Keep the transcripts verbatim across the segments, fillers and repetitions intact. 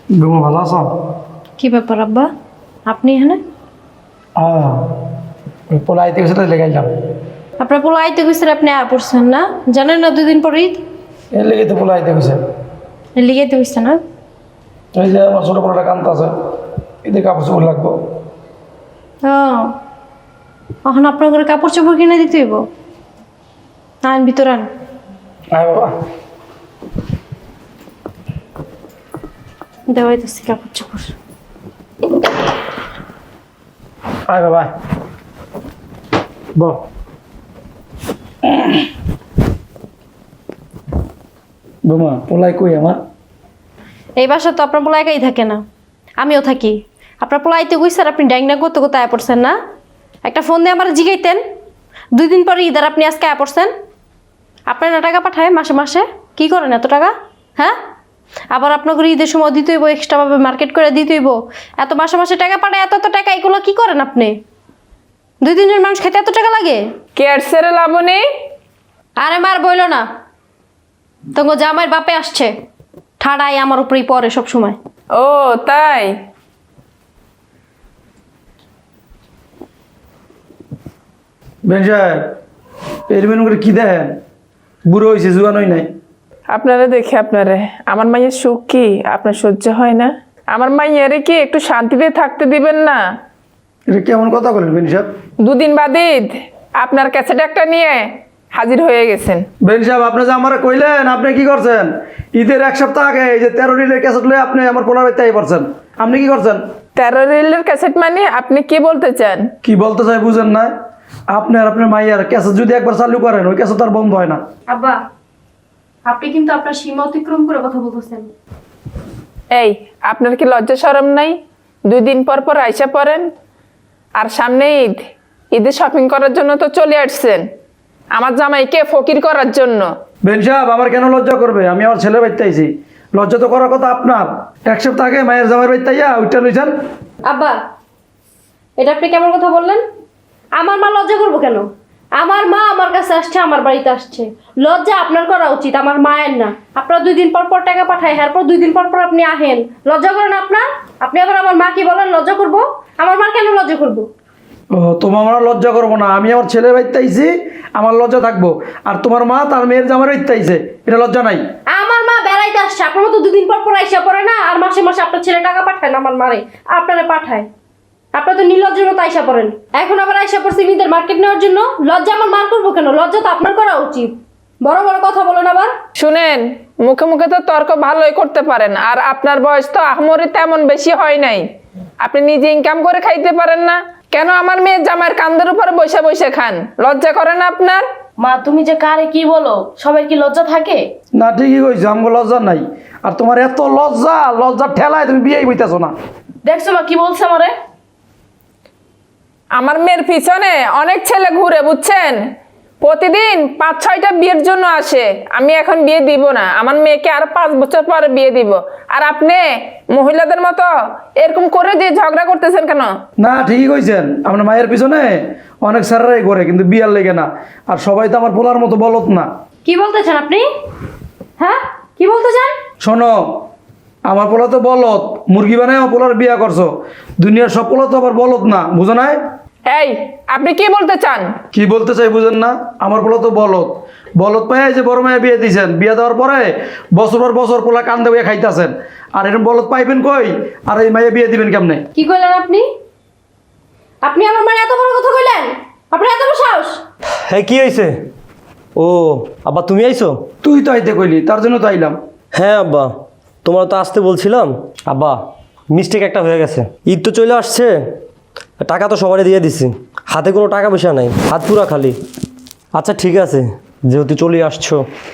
বেগম ভালো আছো? কি ব্যাপার আব্বা, আপনি এখানে? হ্যাঁ, ওই পোলা আইতে গেছে তাই লেগাইলাম। আপনার পোলা আইতে গেছে, আপনি আয়া পড়ছেন না? জানেন না দুই দিন পর ঈদ? এর লেগে তো পোলা আইতে গেছে। লিগাইতে গেছে না? এই যে আমার ছোটো পোলাটা কান্ত আছে, এদের কাপড় চোপড় লাগবো। ও, এখন আপনার ঘরে কাপড় চোপড় কিনে দিতে হইব। আন ভিতর আন। আয় বাবা। দেওয়াইতেছি কাপড় চোপড়। আয় বাবা, বল। বোমা পোলাই কই আমার? এই বাসা তো আপনার পোলা একাই থাকে না, আমিও থাকি। আপনার পোলা আইতে গেছে আর আপনি ড্যাংনা করতে করতে আয়া পড়ছেন না? একটা ফোন দিয়ে আমার জিগাইতেন। দুই দিন পরে ঈদ আর আপনি আজকে আয়া পড়ছেন। আপনার না টাকা পাঠায় মাসে মাসে? কি করেন এত টাকা? হ্যাঁ, আবার আপনাকে ঈদের সময় দিতে হইব, এক্সট্রাভাবে মার্কেট করে দিতে হইব। এত মাসে মাসে টাকা পাঠায়, এত এত টাকা, এগুলো কি করেন আপনি? দুই তিনজন মানুষ খেতে এত টাকা লাগে? কেয়ারসের লাবণী, আরে মার বইল না, তোমার জামাইয়ের বাপে আসছে, ঠাড়াই আমার উপরেই পড়ে সব সময়। ও তাই? বেন সাহেব, এর মেনু করে কি দেখেন? বুড়ো হয়েছে, জুয়ানোই নাই। আপনারা দেখে আপনারে আমার মাইয়ের সুখ কি আপনার সহ্য হয় না? আমার মাইয়ারে কি একটু শান্তিতে থাকতে দিবেন না? এটা কেমন কথা বলেন বেন সাহেব? দুদিন বাদ ঈদ আপনার ক্যাসেট একটা নিয়ে হাজির হয়ে গেছেন। বেন সাহেব, আপনি যে আমার কইলেন, আপনি কি করছেন? ঈদের এক সপ্তাহ আগে এই যে তেরো রিলের ক্যাসেট লয়ে আপনি আমার পোলার বাড়িতে আই পড়ছেন। আপনি কি করছেন? তেরো রিলের ক্যাসেট মানে আপনি কি বলতে চান? কি বলতে চাই বুঝেন না? আপনি আর আপনার মাইয়ার ক্যাসেট যদি একবার চালু করেন, ওই ক্যাসেট আর বন্ধ হয় না। আব্বা, আপনি কিন্তু আপনার সীমা অতিক্রম করে কথা বলতেছেন। এই, আপনার কি লজ্জা শরম নাই? দুই দিন পর পর আইসা পড়েন, আর সামনে ঈদ, ঈদে শপিং করার জন্য তো চলে আসছেন আমার জামাইকে ফকির করার জন্য। বেন সাহেব, আমার কেন লজ্জা করবে? আমি আমার ছেলে বাড়িতে আইছি, লজ্জা তো করার কথা আপনার। এক সপ্তাহ আগে মায়ের জামাইয়ের বাড়িতে আইয়া ওইটা লইছেন। আব্বা, এটা আপনি কেমন কথা বললেন? আমার মা লজ্জা করবো কেন? আমার মা আমার কাছে আসছে, আমার বাড়িতে আসছে, লজ্জা আপনার করা উচিত, আমার মায়ের না। আপনার দুই দিন পর পর টাকা পাঠায়, এরপর দুই দিন পর পর আপনি আহেন, লজ্জা করেন আপনার? আপনি আবার আমার মা কি বলেন লজ্জা করবো? আমার মা কেন লজ্জা করবো? ও, তোমার আমার লজ্জা করবো না? আমি আমার ছেলের বাড়িতে আইছি, আমার লজ্জা থাকবো। আর তোমার মা তার মেয়ের জামাইয়ের বাড়িতে আইছে, এটা লজ্জা নাই? আমার মা বেড়াইতে আসছে, আপনার মতো দুদিন পর পর আইসা পড়ে না, আর মাসে মাসে আপনার ছেলে টাকা পাঠায় না আমার মারে, আপনারা পাঠায়। আপনার তো নির্লজ্জের মতো আইসা পড়েন। এখন আবার আইসা পড়ছে ঈদের মার্কেট নেওয়ার জন্য। লজ্জা আমার মার করবো কেন? লজ্জা তো আপনার করা উচিত। বড় বড় কথা বলেন আবার। শুনেন, মুখে মুখে তো তর্ক ভালোই করতে পারেন, আর আপনার বয়স তো আহমরি তেমন বেশি হয় নাই। আপনি নিজে ইনকাম করে খাইতে পারেন না? কেন আমার মেয়ের জামাইয়ের কান্দের উপরে বসে বসে খান? লজ্জা করে না আপনার? মা, তুমি যে কারে কি বলো? সবার কি লজ্জা থাকে? না, ঠিকই কইছো, আমগো লজ্জা নাই। আর তোমার এত লজ্জা, লজ্জার ঠেলায় তুমি বিয়েই বইতেছো না। দেখছো মা কি বলছে আমারে? আমার মেয়ের পিছনে অনেক ছেলে ঘুরে, বুঝছেন? প্রতিদিন পাঁচ ছয়টা বিয়ের জন্য আসে। আমি এখন বিয়ে দিব না, আমার মেয়েকে আর পাঁচ বছর পরে বিয়ে দিব। আর আপনি মহিলাদের মতো এরকম করে দিয়ে ঝগড়া করতেছেন কেন? না, ঠিকই কইছেন, আপনার মায়ের পিছনে অনেক স্যারেরাই করে, কিন্তু বিয়ার লেগে না। আর সবাই তো আমার পোলার মতো বলত না। কি বলতে চান আপনি? হ্যাঁ, কি বলতে চান? শোনো, আমার পোলা তো বলত, মুরগি বানায় আমার পোলার বিয়া করছো। দুনিয়ার সব পোলা তো আবার বলত না, বুঝো নাই? এই, আপনি কি বলতে চান? কি বলতে চাই বুঝেন না? আমার পোলা তো বলত, বলত পায় যে বড় মায়ে বিয়ে দিয়েছেন, বিয়ে দেওয়ার পরে বছর পর বছর পোলা কান্দে বইয়া খাইতেছেন। আর এরকম বলত পাইবেন কই? আর এই মায়ে বিয়ে দিবেন কেমনে? কি কইলেন আপনি? আপনি আমার মানে এত বড় কথা কইলেন? আপনার এত বড় সাহস? হ্যাঁ, কি হয়েছে? ও আব্বা, তুমি আইছো? তুই তো আইতে কইলি, তার জন্য তো আইলাম। হ্যাঁ আব্বা, তোমরা তো আসতে বলছিলাম। আব্বা, মিস্টেক একটা হয়ে গেছে। ঈদ তো চলে আসছে, টাকা তো সবারই দিয়ে দিছি, হাতে কোনো টাকা পয়সা নাই, হাত পুরা খালি। আচ্ছা ঠিক আছে, যেহেতু চলে আসছো।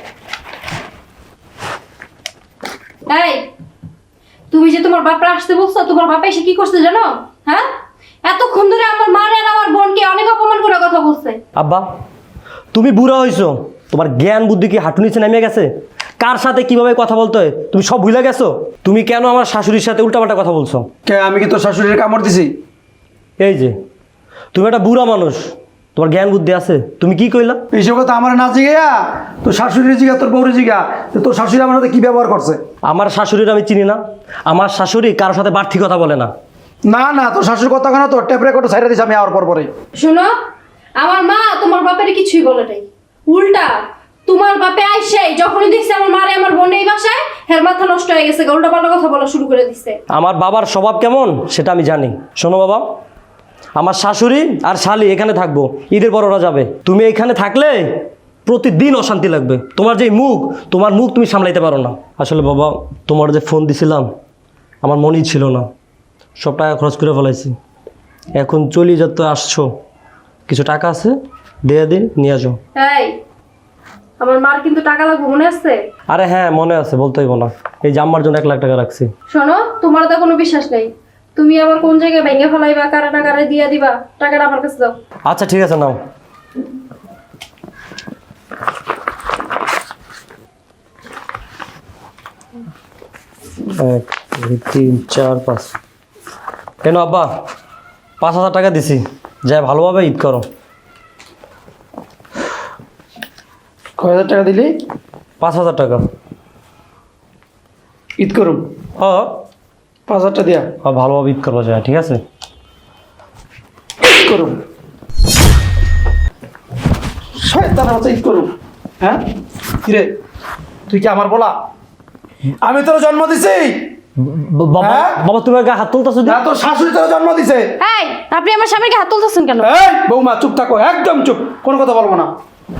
এই, তুমি যে তোমার বাপরা আসতে বলছো, তোমার বাপা এসে কি করছে জানো? হ্যাঁ, এতক্ষণ ধরে আমার মারে আর আমার বোনকে অনেক অপমান করে কথা বলছে। আব্বা, তুমি বুড়া হইছো, তোমার জ্ঞান বুদ্ধি কি হাঁটু নিচে নেমে গেছে? কার সাথে কিভাবে কথা বলতে হয় তুমি সব ভুলে গেছো? তুমি কেন আমার শাশুড়ির সাথে উল্টাপাল্টা কথা বলছো? কে, আমি কি তোর শাশুড়ির কামড় দিছি? এই যে তুমি একটা বুড়া মানুষ, তোমার জ্ঞান বুদ্ধি আছে? তুমি কি কইলা? এইসব কথা আমার না জিগাইয়া তোর শাশুড়ি জিগা, তোর বউরে জিগা, যে তোর শাশুড়ি আমার সাথে কি ব্যবহার করছে। আমার শাশুড়ির আমি চিনি না। আমার শাশুড়ি কারোর সাথে বাড়তি কথা বলে না। না না, তোর শাশুড়ির কথা কেন তোর টেপ রেকর্ড ছাইড়া দিছি আমি আওয়ার পর পরে। শোনো, আমার মা তোমার বাপের কিছুই বলে নাই, উল্টা তোমার বাপে আইসে যখনই দেখছে আমার মারে আমার বোন এই বাসায়, হের মাথা নষ্ট হয়ে গেছে, উল্টা পাল্টা কথা বলা শুরু করে দিচ্ছে। আমার বাবার স্বভাব কেমন সেটা আমি জানি। শোনো বাবা, আমার শাশুড়ি আর শালি এখানে থাকবো, ঈদের পর ওরা যাবে। তুমি এখানে থাকলে প্রতিদিন অশান্তি লাগবে। তোমার যে মুখ, তোমার মুখ তুমি সামলাইতে পারো না। আসলে বাবা, তোমার যে ফোন দিছিলাম আমার মনেই ছিল না, সব টাকা খরচ করে ফেলাইছি। এখন চলি যত আসছো, কিছু টাকা আছে দিয়ে দিন, নিয়ে যাও। এই, আমার মার কিন্তু টাকা লাগবে, মনে আছে? আরে হ্যাঁ, মনে আছে, বলতে হইব না। এই জাম্মার জন্য এক লাখ টাকা রাখছি। শোনো, তোমার তো কোনো বিশ্বাস নেই, তুমি আবার কোন জায়গায় ভেঙে ফেলাইবা, কারা না কারা দিয়া দিবা, টাকাটা আমার কাছে দাও। আচ্ছা ঠিক আছে, নাও। এক দুই তিন চার পাঁচ। কেন আব্বা, পাঁচ হাজার টাকা দিছি, যাই ভালোভাবে ঈদ করো। কয় হাজার টাকা দিলি? পাঁচ হাজার টাকা। ঈদ করুম হ পাঁচ হাজার টাকা দিয়া হ, ভালোভাবে ঈদ করবো, যায় ঠিক আছে। ঈদ করুম, শয়তানের মতো ঈদ করুম। হ্যাঁ কিরে, তুই কি আমার বলা? আমি তোর জন্ম দিছি বাবা, হ্যাঁ? বাবা তুমি গায়ে হাত তুলতেছো? না, তোর শাশুড়ি তোর জন্ম দিছে। এই, আপনি আমার স্বামীকে হাত তুলতেছেন কেন? এই বৌমা, চুপ থাকো, একদম চুপ, কোনো কথা বলবো না।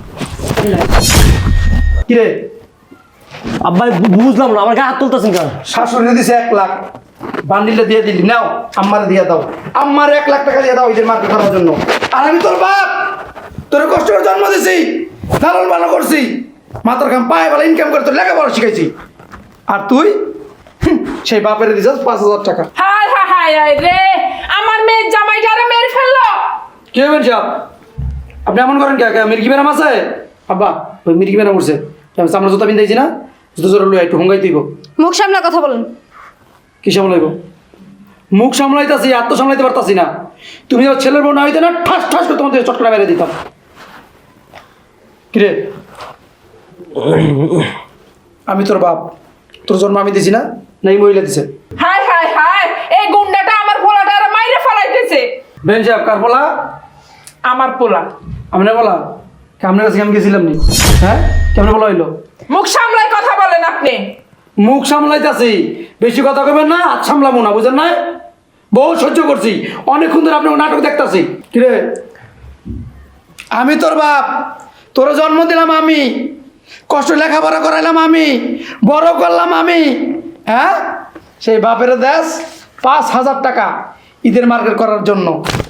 কিরে, আব্বা বুঝলাম না, আমার গায়ে হাত তুলতেছেন কেন? শাশুড়ি দিছে এক লাখ, বান্ডিলটা দিয়ে দিলি, নাও আম্মারে দিয়ে দাও, আম্মার এক লাখ টাকা দিয়ে দাও ঈদের মার্কেট করার জন্য। আর আমি তোর বাপ, তোর কষ্ট করে জন্ম দিছি, লালন পালন করছি, মাথার কাম পায়ে বেলা ইনকাম করে তোর লেখাপড়া শিখাইছি, আর তুই হুঁ, সেই বাপের দিছিস পাঁচ হাজার টাকা। হায় হায় হায় হায় রে, আমার মেয়ের জামাইটারে মেরে ফেললো। কি হবেন সাহেব, আপনি এমন করেন কে? কে মির্গি বেরাম আছে? আব্বা, ওই মির্গি বেরাম উঠছে, আমরা জুতা পিন্ধাইছি না, জুতো জোর লুয়া একটু হুঙ্গাই দিব। মুখ সামলা কথা বলুন। কি সামলাইব? মুখ সামলাইতাছি, আত্ম সামলাইতে পারতাছি না। তুমি ওর ছেলের বোন না হইতে না, ঠাস ঠাস করে তোমাদের চটকরা মেরে দিতাম। কিরে, আমি তোর বাপ, তোর জন্ম আমি দিছি না, না এই মহিলা দিছে? হায় হায় হায়, এই গুন্ডাটা আমার পোলাটারে মাইরে ফেলাইতেছে। বেন সাহেব, কার বলা? আমার পোলা। আমনে বলা? আপনার কাছে আমি গেছিলাম নি? হ্যাঁ, কেমনে বলা হইলো? মুখ সামলাই কথা বলেন আপনি। মুখ সামলাইতাছি, বেশি কথা কবেন না, হাত সামলাবো না, বুঝেন না? বহু সহ্য করছি, অনেকক্ষণ ধরে আপনার নাটক দেখতাছি। কিরে, আমি তোর বাপ, তোর জন্ম দিলাম আমি, কষ্ট লেখাপড়া করাইলাম আমি, বড় করলাম আমি, হ্যাঁ? সেই বাপের দেশ পাঁচ হাজার টাকা ঈদের মার্কেট করার জন্য,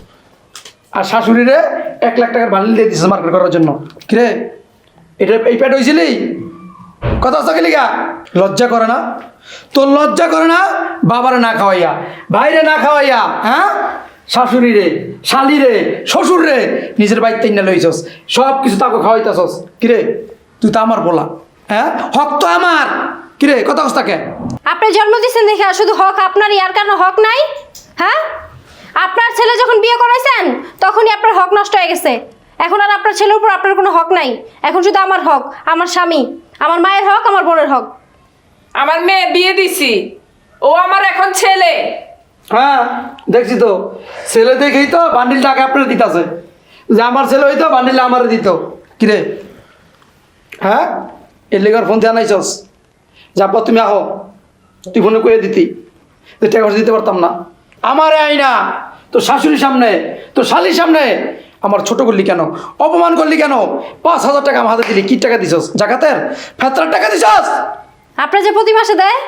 আর শাশুড়িরে এক লাখ টাকার বান্ডিল দিয়ে দিচ্ছে মার্কেট করার জন্য। কিরে, এটা এই পেট হয়েছিলি? কথা হচ্ছে লিগা লজ্জা করে না তোর? লজ্জা করে না? বাবারে না খাওয়াইয়া, ভাইরে না খাওয়াইয়া, হ্যাঁ, শাশুড়ি রে, শালি রে, শ্বশুর রে নিজের বাড়িতে না লইছস, সব কিছু তাকে খাওয়াইতেছস। কিরে, তুই তো আমার বলা, হ্যাঁ, হক তো আমার। কিরে, কথা হচ্ছে তাকে? আপনি জন্ম দিচ্ছেন দেখে আর শুধু হক আপনারই, আর কারণ হক নাই? হ্যাঁ, আপনার ছেলে যখন বিয়ে করাইছেন তখনই আপনার হক নষ্ট হয়ে গেছে। এখন আর আপনার ছেলের উপর আপনার কোনো হক নাই, এখন শুধু আমার হক, আমার স্বামী, আমার মায়ের হক, আমার বোনের হক। আমার মেয়ে বিয়ে দিছি, ও আমার এখন ছেলে। হ্যাঁ, দেখছি তো, ছেলে দেখেই তো বান্ডিল টাকা আপনার দিতেছে, যে আমার ছেলে হইতো বান্ডিলটা আমার দিত। কিরে, হ্যাঁ, এর লেগার ফোন দিয়ে আনাইছস, যাবো তুমি আহো, তুই ফোনে কয়ে দিতি যে টাকা পয়সা দিতে পারতাম না। আমার আই না, তোর শাশুড়ির সামনে, তোর শালির সামনে আমার ছোট করলি কেন, অপমান করলি কেন? পাঁচ হাজার টাকা আমার হাতে দিলি, কি টাকা দিছস? জাকাতের ফেতরার টাকা দিছস? আপনার যে প্রতি মাসে দেয়,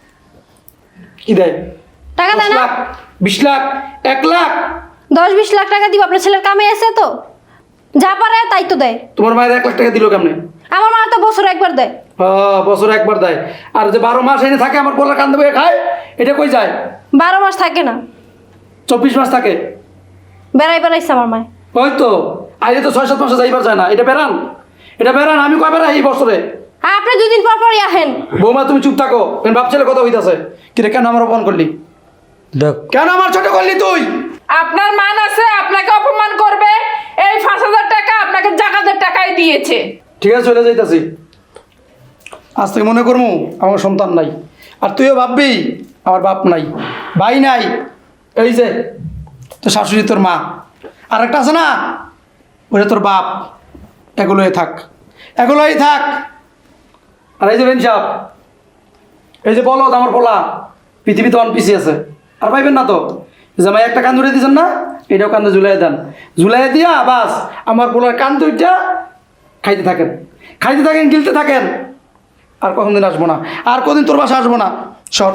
কি দেয়? টাকা দেয় দশ না? লাখ, বিশ লাখ, এক লাখ, দশ বিশ লাখ টাকা দিব, আপনার ছেলের কামে আছে তো, যা পারে তাই তো দেয়। তোমার মায়ের এক লাখ টাকা দিল কেমনে? আমার মা তো বছর একবার দেয়। হ্যাঁ, বছরে একবার দেয়। আর যে বারো মাস এনে থাকে আমার পোলা কান্দে বয়ে খায়, এটা কই যায়? বারো মাস থাকে না, চব্বিশ মাস থাকে। বেড়াই বেড়াইছে আমার মায়। ওই তো আইলে তো ছয় সাত মাসে যাইবার যায় না, এটা বেড়ান, এটা বেড়ান। আমি কয় বেড়াই এই বছরে? আর আপনি দুদিন পর পরই আহেন। বৌমা তুমি চুপ থাকো, বাপ ছেলে কথা হইতাছে। কিরে, কেন আমার অপমান করলি? দেখ, কেন আমার ছোট করলি তুই? আপনার মান আছে, আপনাকে অপমান করবে? এই পাঁচ হাজার টাকা আপনাকে জাকাতের টাকাই দিয়েছে। ঠিক আছে চলে যাইতাছি, আজ থেকে মনে করবো আমার সন্তান নাই, আর তুইও ভাববি আমার বাপ নাই, ভাই নাই। এই যে তোর শাশুড়ি, তোর মা, আর একটা আছে না, ওটা তোর বাপ। এগুলোই থাক, এগুলোই থাক। আর এই যে বেন সাহেব, এই যে বলো আমার বলা, পৃথিবীতে অন পিছিয়ে আছে, আর পাইবেন না তো। জামাই একটা কান ধরে দিয়েছেন না, এটাও কান্দে ঝুলাই দেন, ঝুলাই দিয়া বাস আমার পোলার কান দুইটা খাইতে থাকেন, খাইতে থাকেন, গিলতে থাকেন। আর কখন দিন আসবো না, আর কদিন তোর বাসা আসবো না। সর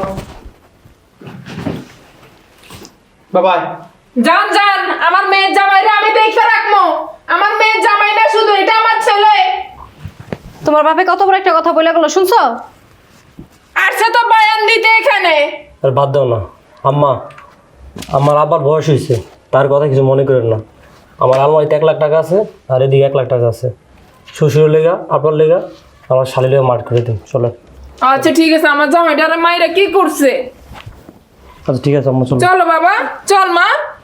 বাবাই। যান যান, আমার মেয়ের জামাইরা আমি দেখে রাখবো। আমার মেয়ের জামাই না শুধু, এটা আমার ছেলে। তোমার বাপে কত বড় একটা কথা বলে গেলো, শুনছো? আসছে তো বয়ান দিতে এখানে। আর বাদ দাও না আম্মা, আমার আবার বয়স হয়েছে, তার কথা কিছু মনে করেন না। আমার আলমারিতে এক লাখ টাকা আছে, আর এদিকে এক লাখ টাকা আছে। শ্বশুরের লেগা, আপনার লেগা, আমার শালি লেগা মার্ক করে দিন, চলেন। আচ্ছা ঠিক আছে, আমার জামাইটার মাইরা কি করছে? আচ্ছা ঠিক আছে আম্মা, চলো। চলো বাবা, চল মা।